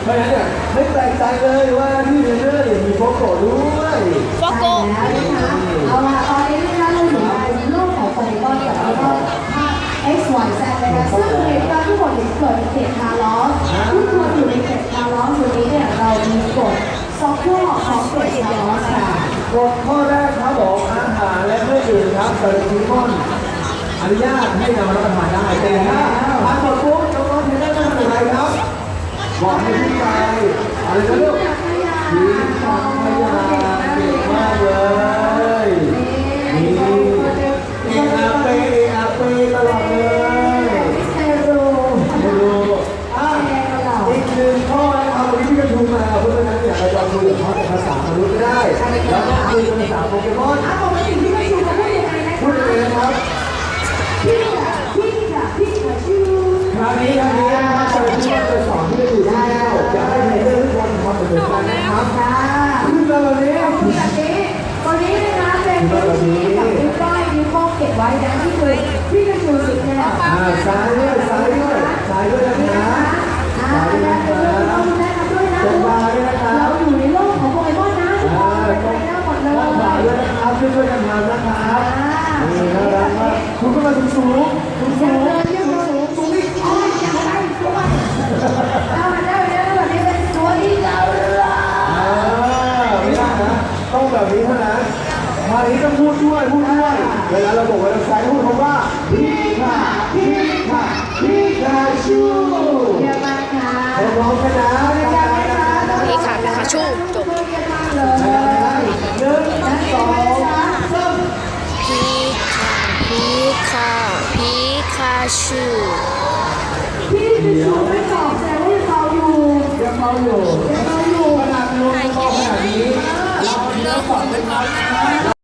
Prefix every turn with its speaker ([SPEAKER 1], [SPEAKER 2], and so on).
[SPEAKER 1] เพราะฉะนั้นเนี่ยไม่แปลกใจเลยว่าที่เทรนเนอร์เนี่ยมีโฟโต้ด้วย
[SPEAKER 2] โฟโก้
[SPEAKER 3] แล้วนะคะเอาล่ะตอนนี้นะคะเราอยู่ในโลกของโปเกมอนกับแล้วก็ภาพ X Y Z นะคะซึ่งเหตุการณ์ทั้งหมดเกิดในเขตคาร์ลอสทุกคนอยู่ในเขตคาร์ลอสวันนี้เนี่ยเรามีกฎซ็อกข้อของเขตคาร์ลอสค่ะ
[SPEAKER 1] กฎข้อแรกครับบอกอาหารและเครื่องดื่มครับโปเกมอนอนุญาตให้นำรับประทานได้แต่ถ้าทานหมดปุ๊บน้องๆเทรนเนอร์ต้องทำอะไรครับบอกให้พี่ไปอะไรนะลูกทิ้งถังขยะเก่งมากเลยนี่อาเปตลอดเลยไม่รู้อีกหนึ่งข้อนะครับวันนี้พี่กระทูมาเพราะฉะนั้นเนี่ยเราจะคุยกับเขาในภาษามนุษย์ไม่ได้แล้วก็คุยภาษาโปเกมอน
[SPEAKER 3] ปกติพี่ก็ชูจะพูดยังไงนะ
[SPEAKER 1] พูดยังไงนะครับ
[SPEAKER 3] พี่ชื่อ
[SPEAKER 1] คราวนี้นะครับจะสอนที่จะอยู่ที่แก้วจะให้เทรนเนอร์ทุกคนทำเหมือนกันนะครับขึ้นมาแบบนี้
[SPEAKER 3] ตอนนี้นะคะเป็นตัวชี้กับนิ้วก้อยนิ้วโป้งเก็บไว้นะที่คือพี่กระชูสุดแน่
[SPEAKER 1] ซ้ายด้วยนะซ้ายด้วยนะ
[SPEAKER 3] เราดูแลกันด้วยนะเราอยู่ในโลกของโปเกมอนนะทุกคนเป็นไปได้หมดเลย
[SPEAKER 1] ขวาด้วยนะครับช่วยกันทำนะครับนี่น่ารักมากคุณก็มาสูงนี่ไม่ได้นะต้องแบบนี้เท่านั้นมานี้ต้องพูดด้วยเวลาเราบอกว่าเราใช้พูดคำว่าพี่คาชูร้องกันนะ
[SPEAKER 2] พี่ค่ะพี่ค่ะชูจบ
[SPEAKER 1] 1 2 3
[SPEAKER 2] พี่ค่ะชู
[SPEAKER 3] พี่คือชูไม่ตอบแต่ว่ายังเมาอยู่
[SPEAKER 1] ขนาดลงคอขนาดนี้เราสอนไม่ทัน